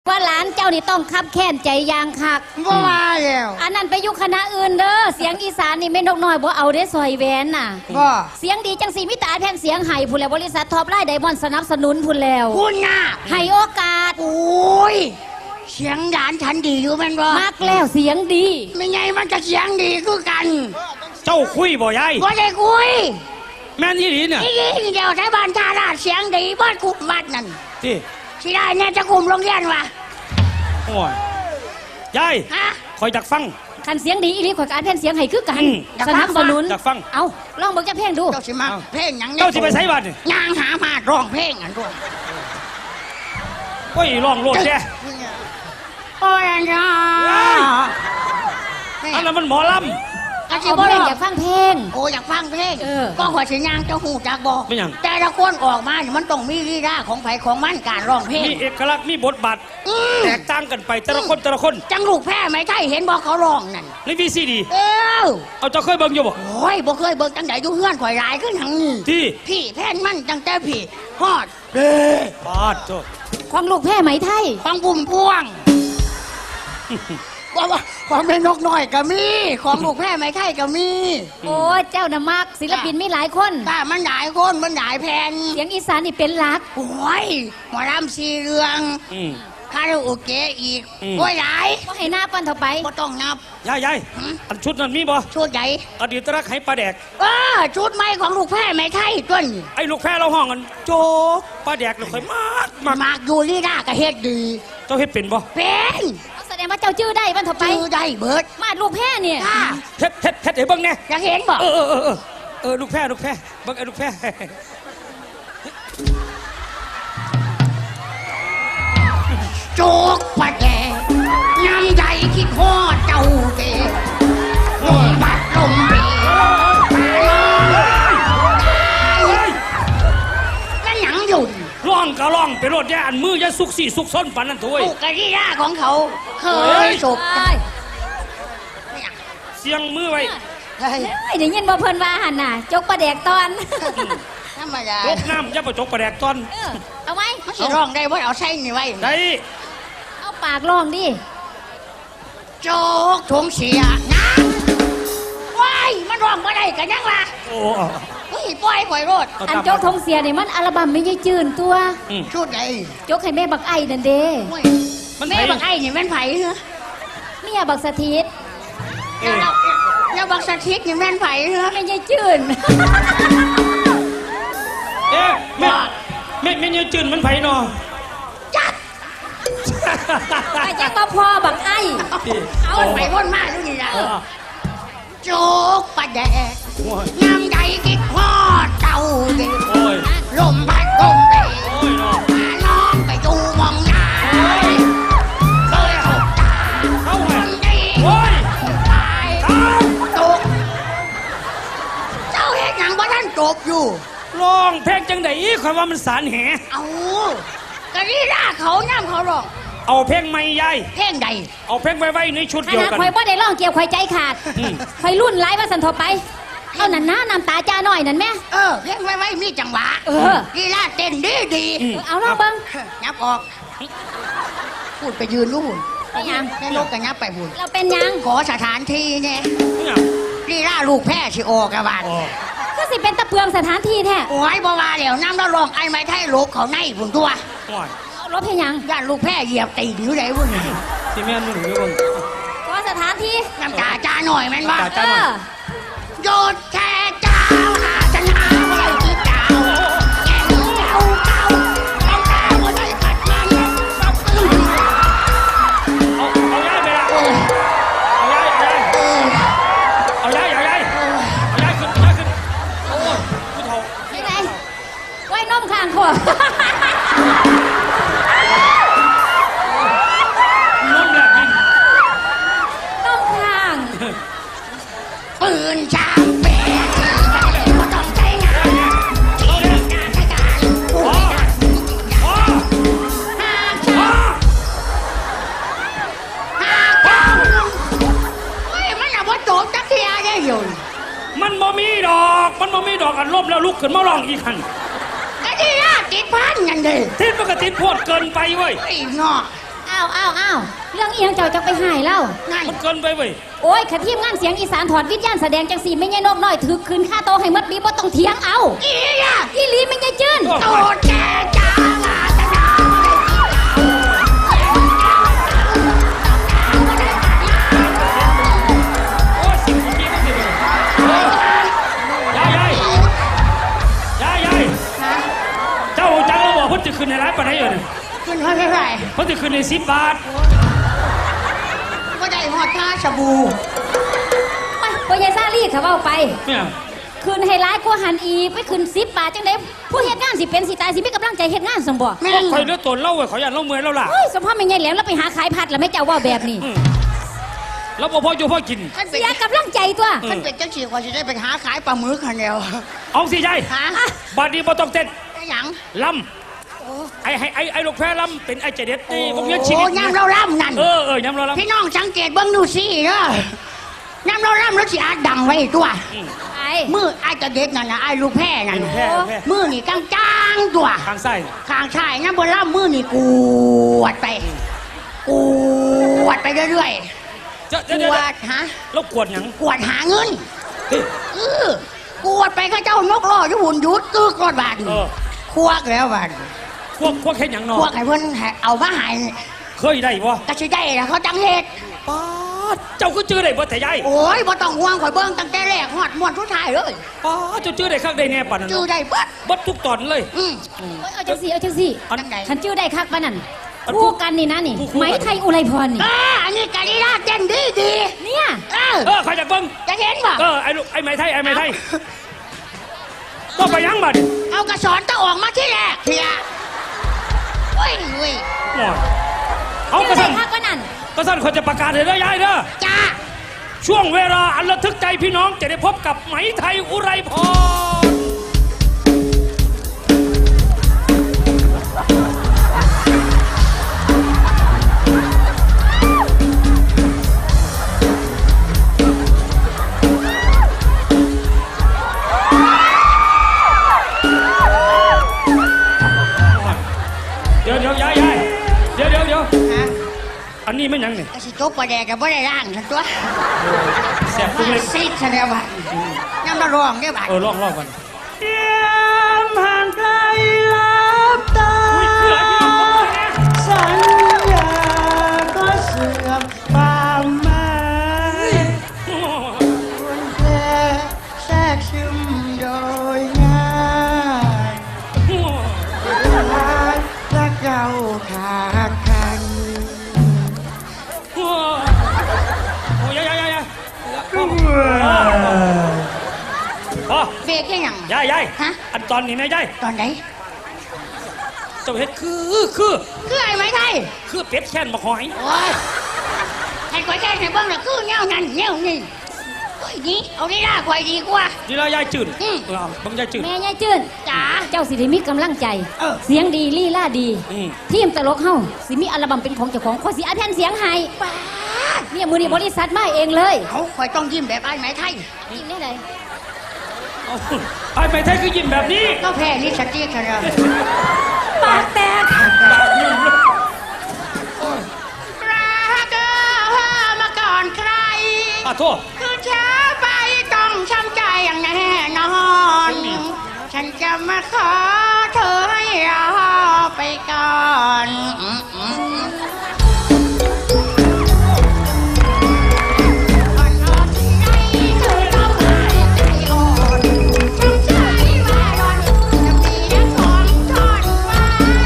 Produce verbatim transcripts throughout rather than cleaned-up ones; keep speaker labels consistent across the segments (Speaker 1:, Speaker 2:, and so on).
Speaker 1: ว่าหลานเจ้านี่ต้องคับแค้นใจยางคัก
Speaker 2: บ่ว่าแล้ว
Speaker 1: อันนั้นไปยุคณะอื่นเด้อเสียงอีสานนี่ไม่นกน้อยบ่เอาได้ซอยแหวนน่ะ
Speaker 2: บ่
Speaker 1: เสียงดีจังสีมิตาแพงเสียงไห้พุ่นแล้วบริษัทท็อปไลน์ไดมอนด์สนับสนุนพุ่นแล้ว
Speaker 2: คุณน่ะ
Speaker 1: ให้โอกาส
Speaker 2: โอ้ยเสียงหลานฉันดีอยู่แม่นบ่
Speaker 1: มักแล้วเสียงดี
Speaker 2: ไม่ไงมันจะเสียงดีคือกัน
Speaker 3: เจ้าคุยบ่ยาย
Speaker 2: บ่ได้คุย
Speaker 3: แม่นอีหลีเนี่ย
Speaker 2: อีหลีเดียวไทบ้านท่าราชเสียงดีบ้านกุมวัดนั่น
Speaker 3: ที่
Speaker 2: สิได้เนี่ยจะคุมโรงเรียนวะ
Speaker 3: โอ้ยยาย
Speaker 2: ฮะ
Speaker 3: คอยจักฟัง
Speaker 1: คันเสียงดีอีหลีข่อยการแพงเสียงไห้คือกันสนับสนุน
Speaker 3: จักฟัง
Speaker 1: เอาลองเบิ่งจักเพลงดู
Speaker 2: เจ้าสิมาเพลงหยัง
Speaker 3: เจ้าสิไปไสบัด
Speaker 2: ย่างหามาร้องเพลงอันด้วย
Speaker 3: โอ้ยร้องโลดแท้
Speaker 2: โอ้ยอันจ้า
Speaker 3: อันนั้นมันหมอลำ
Speaker 1: เอาเพลงอยากฟังเพลง
Speaker 2: โอ้อยากฟังเพลงก็ขอสิย่างเจ้าหูจักบอก
Speaker 3: ไม่ยัง
Speaker 2: แต่ละคนออกมาเนี่ยมันต้องมีลีลาของไผของมันการร้องเพลง
Speaker 3: มีเอกลักษณ์มีบทบาทแตกต่างกันไปแต่ละคนแต่ละคน
Speaker 2: จังลูกแพ้ไม่ใช่เห็นบอกเขาร้องนั่น
Speaker 3: ในวีซีดี
Speaker 2: เออ
Speaker 3: เอาเจ้าเคยเบิ่งอยู่บ่
Speaker 2: โอ้ยบ่เคยเบิ่งจังไดอยู่เฮือนข่อยหลายขึ้นทั้งนี้
Speaker 3: ที่
Speaker 2: พี่แพ้นมันจังแต่พี่ฮอดเด้
Speaker 3: ปาดโต
Speaker 1: ของลูกแพ้ไหมไทย
Speaker 2: ของบุ่มพวงว่าว่าของแม่นกน้อยก็มีของลูกแพ้ไม่ใช่ก็มี
Speaker 1: โอ้เจ้าน่ะมักศิลปินมีหลายคน
Speaker 2: ถ้ามันหลายคนมันหลายแผ่น
Speaker 1: เสียงอีสานนี่เป็นหลัก
Speaker 2: โอ้ยหมอลำสีเรืองคาราโอเกะอีกโอ้ยหลาย
Speaker 1: ก็ให้หน้าปั้นเท่าไป
Speaker 2: ก็ต้องนับ
Speaker 3: ยายยายอันชุดนั้นมีบ่
Speaker 2: ชุดใหญ่
Speaker 3: อดีตรักให้ปลาแดก
Speaker 2: เออชุดใหม่ของลูกแพ้ไม่ใช่ต้น
Speaker 3: ไอ้ลูกแพ้เราห้องกันโจกปลาแดกเราค่อยมาก
Speaker 2: มากมากอยู่ลีน่าก็เฮ็ดดี
Speaker 3: เจ้าเฮ็ดเป็นบ่
Speaker 2: เป็น
Speaker 1: แสดงว่าเจ้าชื่อได้ปั้นเท่าไป
Speaker 2: ชื่อได้เบิด
Speaker 1: มาลูกแพ้เนี่ย
Speaker 3: เฮ็ดเฮ็ดเฮ็ดให้เบิ่งแน่
Speaker 2: อยากเห็นบ่
Speaker 3: เออเออเออเออลูกแพ้ลูกแพ้เบิ่งไอ้ลูกแพ้
Speaker 2: โจกปะแดงน้ำใจคิดฮอดเจ้าเด้ลมบัดลมเบยนั่นหยังอยู่
Speaker 3: ร้องก็ร้องไปรถแย่อันมืออย่าสุกสี่สุกซ้นปันนั่นถุย
Speaker 2: ลูกกะที่ร่าของเขาเคยศพ
Speaker 3: เสียงมือไว้
Speaker 1: เฮ้ยเดี๋ยวยินบ่เพิ่นว่าหันน่ะจกปลาแดกตอน
Speaker 2: ธรรมดา
Speaker 3: จกน้ำอย่าไปจกปลาแดกตอน
Speaker 1: เอาไหม
Speaker 2: เขาสิร้องได้ว่าเอาใส่นี่ไว้
Speaker 3: ได้
Speaker 1: เอาปากร้องดิ
Speaker 2: โจกทงเสียนะว้ายมันร้องมาได้กันยังล่ะ
Speaker 3: โอ้
Speaker 2: เฮ้ยปล่อยปล่อยรถ
Speaker 1: อันโจกทงเสียนี่มันอัลบั้มไม่ใช่จืนตัว
Speaker 2: ชุดไหน
Speaker 1: โจกให้แม่บักไอ้นั่นเด้
Speaker 2: แม่บักไอ้นี่แม่นไผ่เหรอ
Speaker 1: เมียบักสถิต
Speaker 2: แล้วแล้วบักสถิตนี่แม่นไผ่เหรอ
Speaker 1: ไม่ใช่จืน
Speaker 3: เอ๊ะแม่แม่แม่ยังจืนมันไผ่นอ
Speaker 2: จัด
Speaker 1: ไอ้เจ้าก็พอบักไอ้
Speaker 2: เอาไปวนมาดูนี่นะโจกปะแดกน้ำใจคิดฮอดเจ้าเด็กลมพัดลมเบยน้องไปดูมองหน้าเคยหกตาคนดีตายตกเจ้าเห็นหนังว่าท่านจบอยู่
Speaker 3: ร้องเพลงจังได๋ข่อยว่ามันสารแห
Speaker 2: เอากะนี่ล่าเขาน้ำเขาร้อง
Speaker 3: เอาเพลงใหม่ยาย
Speaker 2: เพลงใด
Speaker 3: เอาเพลงไว้ในชุดเดียวกัน
Speaker 1: ข่อยบ่ได้ร้องเกี่ยวข่อยใจขาดข่อยรุ่นหลายว่าสันทบไปเอานั่นนะน้ำตาจ้าหน่อยนั่นแม่
Speaker 2: เออเพลงไว้ไว้มีจังหวะ
Speaker 1: เออ
Speaker 2: ลีลาเต้นดีดี
Speaker 1: เอาลองเบิ่ง
Speaker 2: ยับออกพูดไปยืนรู้หุ่น
Speaker 1: เป็นยัง
Speaker 2: แม่นกกันยับไปหุ่น
Speaker 1: เราเป็นยัง
Speaker 2: ขอสถานที่เนี่ยลีลาลูกแพ้สิออกกระบาด
Speaker 1: ก็สิเป็นตะเพืองสถานที่แท้
Speaker 2: โอ้ยบ่ว่าแล้วน้ำแล้วลองไอ้ไม้ไทยลบเขาในหุ่นตัว
Speaker 1: รถเพยัง
Speaker 2: ย่านลูกแพ้เหยียบตีนอยู่ไหนวุ่น
Speaker 3: ที่แม่นุ่งอยู่บน
Speaker 1: ก็สถานที่
Speaker 2: น้ำตาจ้าหน่อยมันว่าโยดแค่เจ้าหาชนะอะไรที่เจ้าแก่เจ้าเจ้าเอาเจ้าไม่ได้ขัดมัน
Speaker 3: เอาเอาย้ายไปละเอาย้ายเอาย้ายเอาย้ายเอาย้ายขึ้นย้ายขึ้นโอ้ยผู้เฒ่า
Speaker 1: ยังไงไว้นมข้างขวบ
Speaker 2: ปืนช้างเป๋ที่ก็ต้องใช้งานที่งานใช้การผู้ไม่ได้ห้าห้าห้าเฮ้ยมันอะว่าโจมจักรยานได้อยู่
Speaker 3: มันบ่มีดอกมันบ่มีดอกอันลบแล้วลุกขึ้นมาร้องอีกคัน
Speaker 2: ก็ที่น่าติดพันกันดิ
Speaker 3: ติดมันก็ติดโพดเกินไปเว้ย
Speaker 2: ไอ้งอ
Speaker 1: อ้าวาวอ้าวอ้าวเรื่องเอียงเจ้าจะไปหายเล่า
Speaker 2: นั่น
Speaker 3: มันเกินไปเว้ย
Speaker 1: โอ้ยขทีมงานเสียงอีสานถอดวิญญาณแสดงจังสีไม่ใช่นกน้อยถือคืนค่าโตให้มัดบีบ่ต้องเถียงเอา
Speaker 2: อีอ่ะ
Speaker 1: อีหลีไม่ใช่จื้น
Speaker 2: โตแก่จ้ามาตะดา
Speaker 3: โอ้ยสิบปีมันสิบเลยยายยายยายยายเจ้าจังเราบอกเพิ่นจะขึ้นในร้านปานไหนอยู่เนี่ย
Speaker 2: ขึ้นเท่าไหร่
Speaker 3: เพิ่นจะขึ้นในสิบบาท
Speaker 2: ก็ได้หอดท่าสบู่
Speaker 1: ไปพ่อยายซาลี่เขาเอาไป
Speaker 3: เนี่ย
Speaker 1: คืนให้ร้ายกว่าหันอีกไปคืนสิบบาทจังไดผู้เฮ็ดงานสิเป็นสิตายสิมีกำลังใจเฮ็ดงานสมบ่
Speaker 2: แม่ง
Speaker 3: คอยเลือดตนเล่าเว้ยขออย่าเล่าเมื่อยแล้วล่ะ
Speaker 1: เฮ้ยสมพ่อไม่ไงแหลมแล้วไปหาขายผัดแล้วไม่เจ้าว่าแบบนี้
Speaker 3: อืมแล้วพอพ่ออยู่พ่อกิน
Speaker 2: ท่านเป็
Speaker 1: เสี
Speaker 2: น
Speaker 1: ยกำลังใจตัว
Speaker 2: ท่านเป็นเจ้าชีกว่าจะได้ไปหาขายปลาหมึกคันเดียว
Speaker 3: เอาสิยาย
Speaker 2: ฮะ
Speaker 3: บาดนี้บ่ต้องเต้น
Speaker 2: ไอ้หยัง
Speaker 3: ลำไอ้ไอ้ไอ้ไอ้ลูกแพรลำเป็นไอ้เจเด็ดนี่ผมเลี้ยงชีวิ
Speaker 2: โอ้
Speaker 3: ต
Speaker 2: ยำเราล่ำนั่น
Speaker 3: เออเออยำเราลำ
Speaker 2: พี่น้องสังเกตเบิ้งดูสิเนาะยำเราล่ำแล้วสิอาดังไว้ตัว
Speaker 1: ไอ้
Speaker 2: มือไอ้จะเด็ดนั่นนะไอ้ลูกแพร่นั่น
Speaker 3: ลูกแพรลูกแพร
Speaker 2: มือนี่กลางจางๆตัว
Speaker 3: ทางไส้
Speaker 2: ข้างชายน้ำบนล่ำมือนี่กวดไปกวดไปเรื่อย
Speaker 3: เจ้า
Speaker 2: ๆ
Speaker 3: เจ้าก เจ้าว
Speaker 2: ดฮะ
Speaker 3: แล้วกวดหยัง
Speaker 2: กวดหาเงิน
Speaker 3: เฮ้ย
Speaker 2: เออกวดไปข้าเจ้านกล่ออยู่หุ่นยุดตึกรอดบาด
Speaker 3: เออ
Speaker 2: ควักแล้วบาด
Speaker 3: พวกพวกเห็นหยังนอ
Speaker 2: ควักให้เพิ่นให้เอามาใหาย
Speaker 3: เคยได้บ่
Speaker 2: ก็สิได้แล้วเขาจังเฮ็ด
Speaker 3: ป๊าดเจ้าก็จื้อได้บ่แต่ยาย
Speaker 2: โอ้ยบ่ต้องห่วงข่อยเบิ่งตั้งแต่แรกฮอดม่วนทุกท้ายเลย
Speaker 3: ป๊าดเจ้าจื้อได้ข้างได้แน่ปานนั้น
Speaker 2: จื้อได้เบิด
Speaker 3: เบัดทุกตอนเลย
Speaker 2: อืม
Speaker 1: เอ้ยเอาจังสิเอาจังสิ
Speaker 3: อัน
Speaker 2: จังใด
Speaker 1: ฉันชื่อได้คักปานนั่น
Speaker 3: อัน
Speaker 1: คู่กันนี่นะนี่
Speaker 3: คู่คู่
Speaker 1: ไหมไทยอุไรพรนี่
Speaker 2: อ่าอันนี้กะลีลาเต้นดีดี
Speaker 1: เนี่ย
Speaker 2: ๆเออ
Speaker 3: เออใครอยากเบิ่ง
Speaker 2: จะเห็นบ่
Speaker 3: เออไอ้ลูกไอ้ไม้ไทยไอ้ไม้ไทยก็ไปยังบัด
Speaker 2: เอากระสอนตะออกมาที่แรกเถียโอ้ยเว้ย
Speaker 3: โอ้ยเอาก
Speaker 1: ชื่
Speaker 3: ระ
Speaker 1: อได้
Speaker 3: สัน
Speaker 1: คักปานนั่น
Speaker 3: กระสันคนจะประกาศเลยเด้อยายเด้อ
Speaker 2: จ้า
Speaker 3: ช่วงเวลาอันระทึกใจพี่น้องจะได้พบกับไหมไทยอุไรพร เดี๋ยวเดี๋ยวยายยายเดี๋ยวเดี๋ยวเดี๋ยว
Speaker 2: ฮะ
Speaker 3: อันนี้ไม่หยังนี่
Speaker 2: กระสิจบประแดกกับบ่ได้ร่างสันตัว
Speaker 3: แสบตุ้งเล็ก
Speaker 2: ซีดซะแล้วบัดยังมาร้องเด้อบัด
Speaker 3: เออลองลองกัน
Speaker 2: เตรียมห่างไกลลับตา
Speaker 3: อุ้ยคืออะไรพี่น้องผมเลยนะ
Speaker 2: สัญญาก็เสื่อมความหมายคนแค่แทรกซึมโดยง่ายรักรักเราขาดกัน
Speaker 3: โอ้โอ้ยยายยายยายพอ
Speaker 2: เบรกยังยัง
Speaker 3: ยายยาย
Speaker 2: ฮะ
Speaker 3: อันตอนนี้นะยาย
Speaker 2: ตอนไหน
Speaker 3: เจ้าเฮ็ดคือคือ
Speaker 2: คือไอ้ไม้ไทย
Speaker 3: คือเป็ดแค้นมาหอย
Speaker 2: โอ้ยให้ข่อยแก้ให้เบิ่งน่ะคือแนวนั้นแนวนี้โอ้ยนี่เอาได้ล่าข่อยดีกว่า
Speaker 3: ดีแล้วยายจืด
Speaker 2: อืม
Speaker 3: เออเอาบังยายจืด
Speaker 1: แม่ยายจื้น
Speaker 2: จ๋า
Speaker 1: เจ้าสิได้มีกำลังใจ
Speaker 2: เออ
Speaker 1: เสียงดีลี่ล่าดี
Speaker 3: อืม
Speaker 1: ทีมตลกเฮาสิมีอัลบั้มเป็นของเจ้าของขอสิอัดแผ่นเสียงให้
Speaker 2: ป้าด
Speaker 1: เนี่ยมือนี้บริษัทมาเองเลย
Speaker 2: เขาข่อยต้องยิ้มแบบไอ้ไม้ไทย
Speaker 1: ยิ้มได้เลย
Speaker 3: เอาไอ้ไม้ไทยคือยิ้มแบบนี้
Speaker 2: ก็แพ้ลิสติกกันแล้ว
Speaker 1: ปากแตก
Speaker 3: ปากยิ้มเลย
Speaker 2: รักเธอมาก่อนใคร
Speaker 3: อ่ะโทษ
Speaker 2: คือช้าไปต้องช้ำใจอย่างแน่นอน ฉันจะมาขอเธอให้รอไปก่อนอืมอืมอืมอ่อนอ่อนที่ไหนเธอต้องหายใจอ่อนช้ำใจว่าร้อนจะมีน้ำของทอนไว้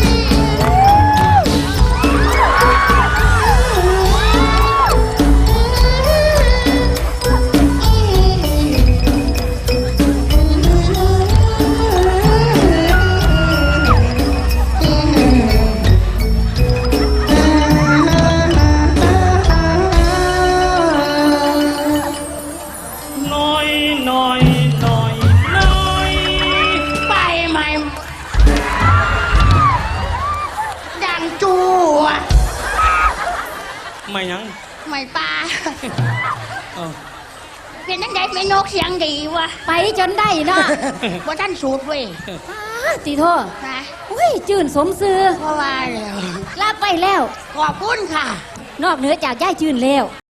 Speaker 3: น้อยน้อยน้อยน้อย
Speaker 2: ไปไหมดังจูอะ
Speaker 3: ไม่หยัง
Speaker 2: ไม่ปลา
Speaker 3: เออ
Speaker 2: เป็นนังไงเป็นนกเสียงดีวะ
Speaker 1: ไปจนได้เนาะ
Speaker 2: ว่าท่านสูตรเว้ย
Speaker 1: อ้าตีโทษ
Speaker 2: นะ
Speaker 1: โอ้อุ้ยจืนสมซื้อ
Speaker 2: เพราะว่าแล้ว
Speaker 1: รับไปแล้ว
Speaker 2: ขอบคุณค่ะ
Speaker 1: นอกเหนือจากย่ายจืนแล้ว